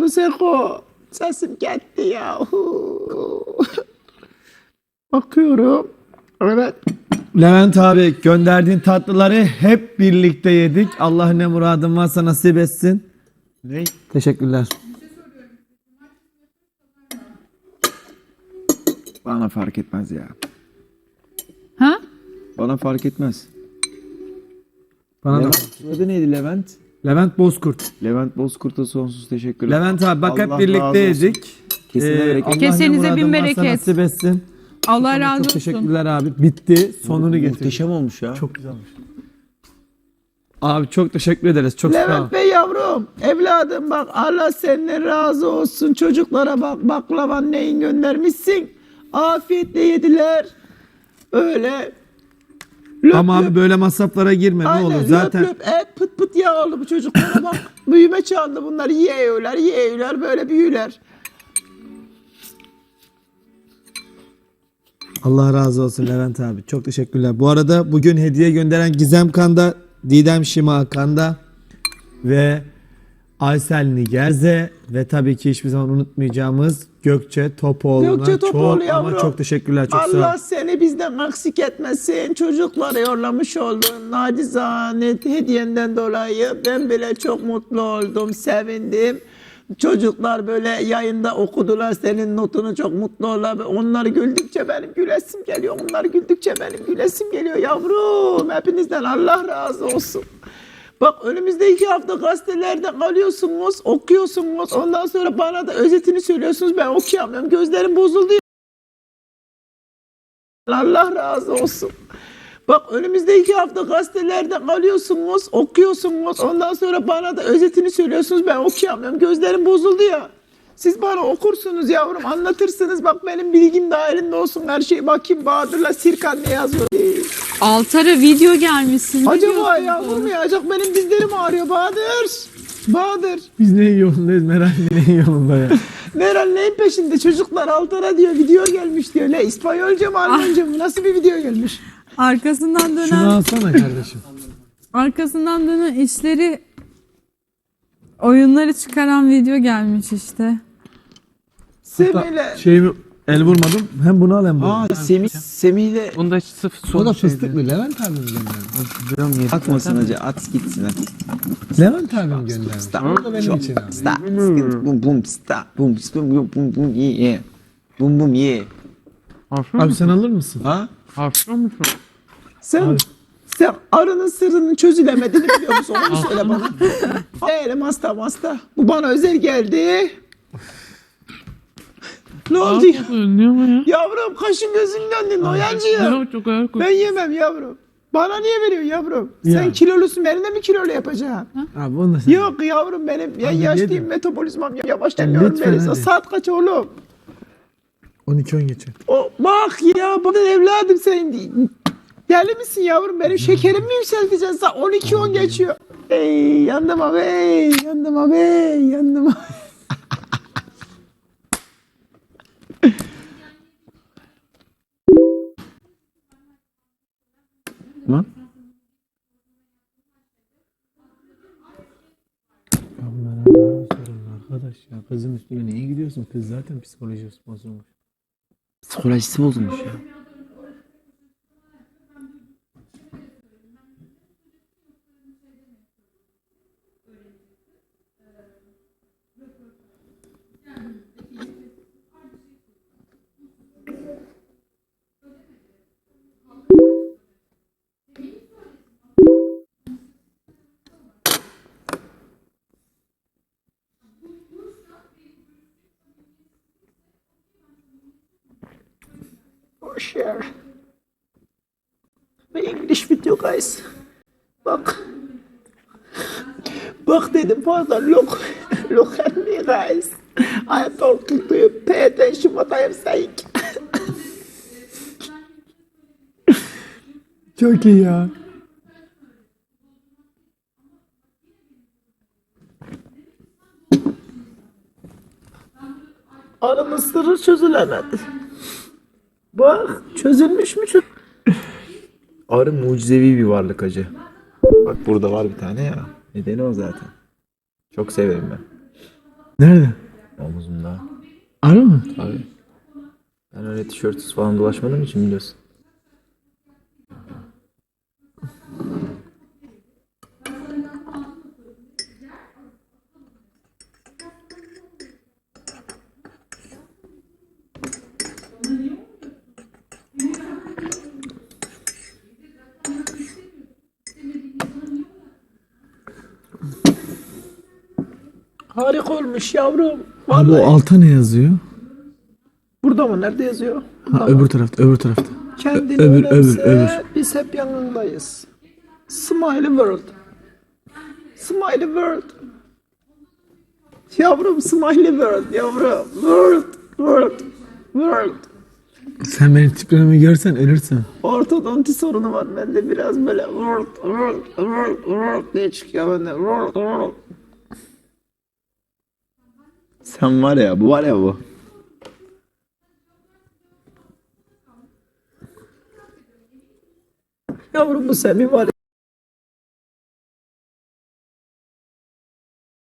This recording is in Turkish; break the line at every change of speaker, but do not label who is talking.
Seko. Sesim gitti ya. Bakıyorum. Evet.
Levent abi gönderdiğin tatlıları hep birlikte yedik. Allah ne muradın varsa nasip etsin.
Ne?
Teşekkürler.
Bana fark etmez ya.
Ha?
Bana fark etmez.
Bana da.
Levent, adı neydi Levent?
Levent Bozkurt.
Levent Bozkurt'a sonsuz teşekkürler.
Levent abi bak hep
Allah
birlikte
razı olsun.
yedik.
Kesine bereket.
Allah ne
Kesenize bin
muradın varsa
bereket.
nasip etsin.
Allah razı
Çok
olsun.
teşekkürler abi. Bitti. Sonunu getirdik.
Muhteşem olmuş ya.
Çok güzel olmuş. Abi çok teşekkür ederiz. Çok sağ ol.
Levent Bey yavrum, evladım bak Allah senden razı olsun. Çocuklara bak baklavan neyin göndermişsin. Afiyetle yediler. Öyle. Löp
Ama
löp.
abi böyle masraflara girme ne
Aynen,
olur.
löp
Zaten
löp et pıt pıt yağ oldu bu çocuklara bak. Büyüme çağında bunlar yiyorlar böyle büyüler.
Allah razı olsun Levent abi. Çok teşekkürler. Bu arada bugün hediye gönderen Gizem Kanda, Didem Şima Kanda ve Aysel Nigerze ve tabii ki hiçbir zaman unutmayacağımız Gökçe Topoğlu'na
Gökçe Topoğlu
çok ama
yavrum.
çok teşekkürler. Çok sağ ol.
Allah seni bizden eksik etmesin. Çocuklara yollamış olduğun nacizane hediyenden dolayı ben bile çok mutlu oldum, sevindim. Çocuklar böyle yayında okudular senin notunu, çok mutlu oldular. Onlar güldükçe benim gülesim geliyor. Onlar güldükçe benim gülesim geliyor yavrum. Hepinizden Allah razı olsun. Bak önümüzde 2 hafta gazetelerden alıyorsunuz, okuyorsunuz. Ondan sonra bana da özetini söylüyorsunuz. Ben okuyamıyorum. Gözlerim bozuldu. Allah razı olsun. Bak önümüzde 2 hafta gazetelerden alıyorsunuz, okuyorsunuz. Ondan sonra bana da özetini söylüyorsunuz. Ben okuyamıyorum. Gözlerim bozuldu ya. Siz bana okursunuz yavrum, anlatırsınız. Bak benim bilgim dahilinde olsun her şey. Bakayım Bahadır'la Sirkan ne yazıyor.
Altara video gelmişsin. Ne
Acaba
diyorsun
yavrum
bu?
ya, acaba benim dizlerim ağrıyor Bahadır. Bahadır.
Biz neyin yolundayız Meral neyin yolunda ya.
Meral neyin peşinde? Çocuklar Altara diyor, video gelmiş diyor. Ne İspanyolca mı Almanca mı? Nasıl bir video gelmiş?
Arkasından dönen,
Şunu alsana kardeşim.
arkasından dönen işleri, oyunları çıkaran video gelmiş işte.
Semih'le.
Şeyimi el vurmadım. Hem bunu al hem bunu.
Aa Semih'le
Bunda sırf
O
son
da
şeydi.
fıstıklı. Levent abim gönderdi.
Biliyorum, yedik
atmasın
zaten.
hacı, at gitsin at.
Levent abim gönderdi. O da benim için abi.
Stop. Bum bum stop. Bum bum bum bum yeah. Bum bum yeah.
Hafif
Abi sen alır mısın?
Ha?
Hafif musun?
Sen arının sırrının çözülemediğini biliyor musun? Onu söyle bana. Değilim hasta. Bu bana özel geldi. Ne oldu ya?
Önlüyor mu ya?
Yavrum kaşın gözün döndü Noyancı ya.
Ne çok ağır koy.
Ben yemem yavrum. Bana niye veriyorsun yavrum?
Ya.
Sen kilolusun, beni de mi kilolu yapacaksın?
Abi onu da sen.
Yok yavrum benim ya
Hadi
yaşlıyım,
yedim.
metabolizmam yavaş demiyorum
Lütfen
Melisa.
hadi.
Saat kaç oğlum?
12-10 geçiyor.
O, bak ya bana evladım sen deli misin yavrum? Benim şekerimi mi yükselteceksin? Sen 12-10 geçiyor. Ey yandım abi, yandım abi, yandım abi.
Lan?
Arkadaş ya kızın üstüne niye gidiyorsun? Kız zaten psikolojisi bozulmuş.
Psikolojisi bozulmuş ya.
Share the English video guys. Bak. Bak dedim pardon. Look at me guys. I am talking to you. Pay attention what I am saying.
Çok iyi ya.
Arının sırrı çözülemedi. Bak çözülmüş mü?
Arı mucizevi bir varlık hacı. Bak burada var bir tane ya. Nedeni o zaten. Çok severim ben.
Nerede?
Omuzumda.
Ara mı?
Tabii. Ben öyle tişörtsüz falan dolaşmadığım için biliyorsun.
Harika olmuş yavrum.
Abi o
Vallahi.
alta ne yazıyor?
Burada mı? Nerede yazıyor?
Ha, öbür tarafta, öbür tarafta.
Kendini
öbür,
önemse,
öbür.
biz hep yanındayız. Smiley World. Smiley World. Yavrum Smiley World yavrum. World.
Sen benim tiplememi görsen ölürsün.
Ortodonti sorunu var bende biraz böyle diye çıkıyor bende.
Sen var ya bu var ya bu.
Yavrum bu Semih var ya.